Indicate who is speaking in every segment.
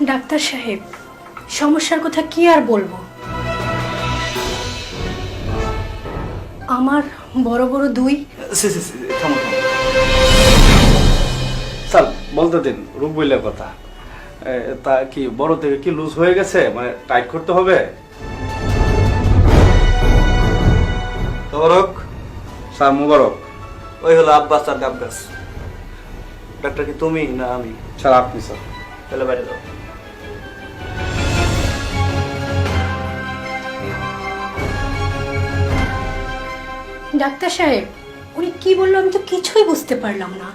Speaker 1: Doctor সাহেব, সমস্যার কথা কি আর বলবো। আমার বড় বড় দুই।
Speaker 2: থামো থামো স্যার, বলতে দিন, রূপ বইলের কথা। তা কি বড় থেকে কি লুজ হয়ে গেছে, মানে টাইট করতে হবে?
Speaker 3: তবরক
Speaker 2: স্যার মুবারক।
Speaker 3: ওই হলো আব্বাস আর গাব্বাস। ডাক্তার কি তুমি না আমি?
Speaker 2: স্যার আপনি স্যার।
Speaker 3: তাহলে বাইরে যাও।
Speaker 1: ডাক্তার সাহেব, উনি কি বললো আমি তো কিছুই বুঝতে পারলাম না।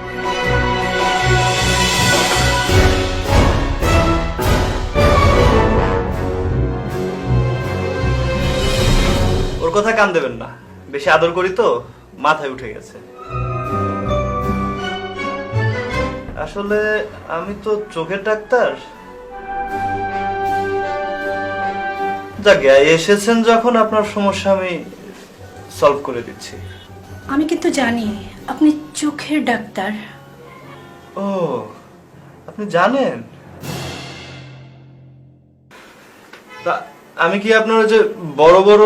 Speaker 3: ওর কথা কান দেবেন না, বেশি আদর করি তো মাথায় উঠে গেছে। আসলে আমি তো চোখের ডাক্তার। যাক, এসেছেন যখন আপনার সমস্যা আমি সলভ করে দিচ্ছি।
Speaker 1: আমি কিন্তু জানি আপনি চোখের ডাক্তার।
Speaker 3: ও, আপনি জানেন? তা আমি কি আপনার যে বড় বড়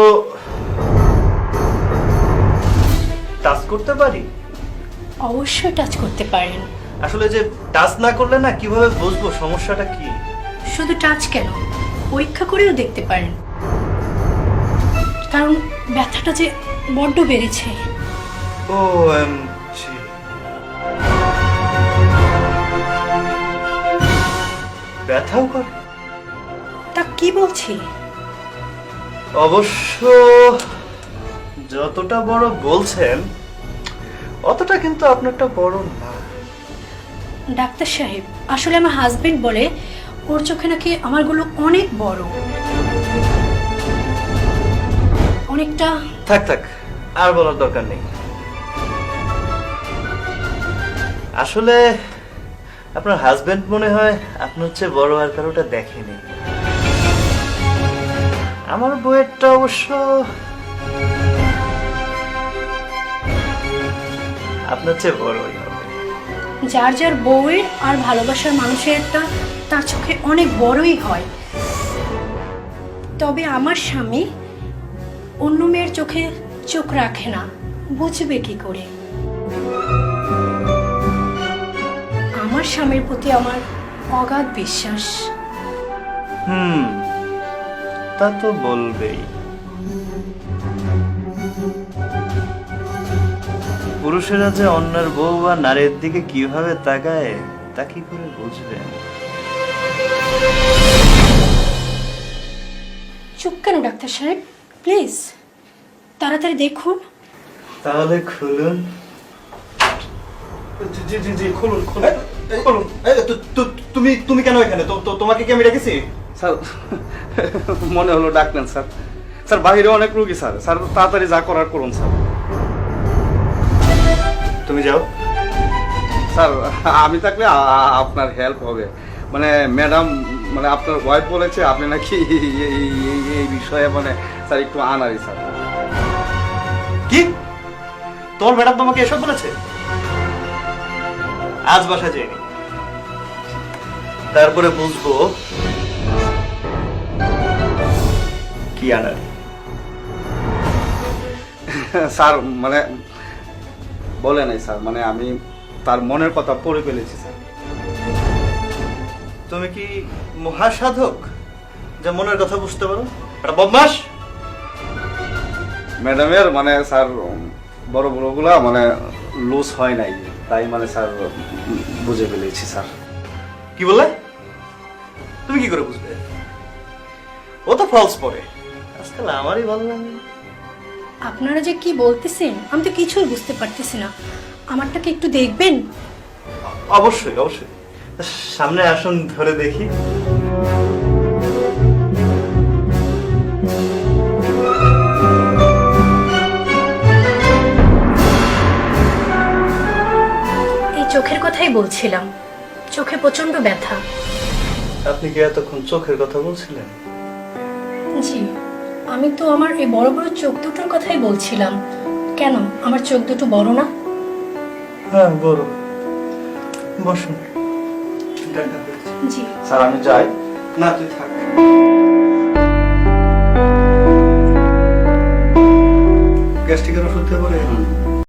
Speaker 3: টাচ করতে পারি?
Speaker 1: অবশ্যই টাচ করতে পারেন।
Speaker 3: আসলে যে টাচ না করলে না কিভাবে বুঝবো সমস্যাটা কি?
Speaker 1: শুধু টাচ কেন, পরীক্ষা করেও দেখতে পারেন, কারণ ব্যথাটা যে বড্ড বেড়েছে।
Speaker 3: ও ব্যথাও করে?
Speaker 1: তা কি বলছি?
Speaker 3: অবশ্য যতটা বড় বলছেন অতটা কিন্তু আপনারটা বড় না।
Speaker 1: ডাক্তার সাহেব, আসলে আমার হাজবেন্ড বলে ওর চোখে নাকি আমারগুলো অনেক বড়, অনেকটা।
Speaker 3: থাক থাক, আর বলার দরকার নেই। আসলে আপনার হাজবেন্ড মনে হয় আপনার চেয়ে বড় আর কারোটা দেখেনি। আমার বইয়েরটা অবশ্য আপনার চেয়ে বড়ই হবে।
Speaker 1: যার যার বউয়ের আর ভালোবাসার মানুষের একটা তার চোখে অনেক বড়ই হয়। তবে আমার স্বামী অন্য মেয়ের চোখে চোখ রাখে না, বুঝবে কি করে? আমার স্বামীর প্রতি আমার অগাধ বিশ্বাস।
Speaker 3: তা তো বলবেই। পুরুষেরা যে অন্যের বউ বা নারীর দিকে কিভাবে তাকায় তা কি করে বুঝবেন?
Speaker 1: চুপ কেন ডাক্তার সাহেব, প্লিজ তাড়াতাড়ি দেখুন।
Speaker 3: তাহলে খুলুন।
Speaker 2: জি জি জি, খুলুন খুলুন খুলুন।
Speaker 3: তুমি তুমি কেন এখানে? তোমাকে কি আমি রেখেছি?
Speaker 2: স্যার মনে হলো ডাকলেন স্যার। স্যার বাইরে অনেক রুগী স্যার। স্যার তাড়াতাড়ি যা করার করুন স্যার।
Speaker 3: তুমি যাও।
Speaker 2: স্যার আমি থাকলে আপনার হেল্প হবে। মানে ম্যাডাম, মানে আপনার ওয়াইফ বলেছে আপনি নাকি এই বিষয়ে মানে স্যার একটু আনারি স্যার।
Speaker 3: কি? তোর ম্যাডাম তোমাকে এসব বলেছে? আজ বাসা যায়নি, তারপরে বুঝবো কি আনার।
Speaker 2: স্যার মানে বলে নাই স্যার, মানে আমি তার মনের কথা পড়ে ফেলেছি স্যার।
Speaker 3: তুমি কি মহাসাধক যে মনের কথা বুঝতে পারো? একটা বদমাস।
Speaker 2: ম্যাডামের মানে স্যার বড় বড়গুলা মানে লুজ হয় নাই, তাই মানে স্যার বুঝে ফেলেছি স্যার।
Speaker 3: কি বললে? তুমি কি করে বুঝবে? ও তো ফলস পরে। আজকাল আমারই ভালো লাগে।
Speaker 1: আপনারা যে কি বলতেছেন আমি তো কিছুই বুঝতে পারতেছি না। আমারটাকে একটু দেখবেন?
Speaker 3: অবশ্যই অবশ্যই, সামনে আসুন, ধরে দেখি।
Speaker 1: এই চোখের কথাই বলছিলাম, চোখে প্রচন্ড ব্যথা।
Speaker 3: আপনি কি এতক্ষণ চোখের কথা বলছিলেন?
Speaker 1: জি, আমি তো আমার এই বড় বড় চোখ দুটোর কথাই বলছিলাম। কেন, আমার চোখ দুটো বড় না?
Speaker 3: হ্যাঁ বড়। বসুন।
Speaker 1: জি।
Speaker 2: স্যার আমি যাই।
Speaker 3: না তুই থাক। গ্যাস্ট্রিকের ওষুধ দিয়ে পরে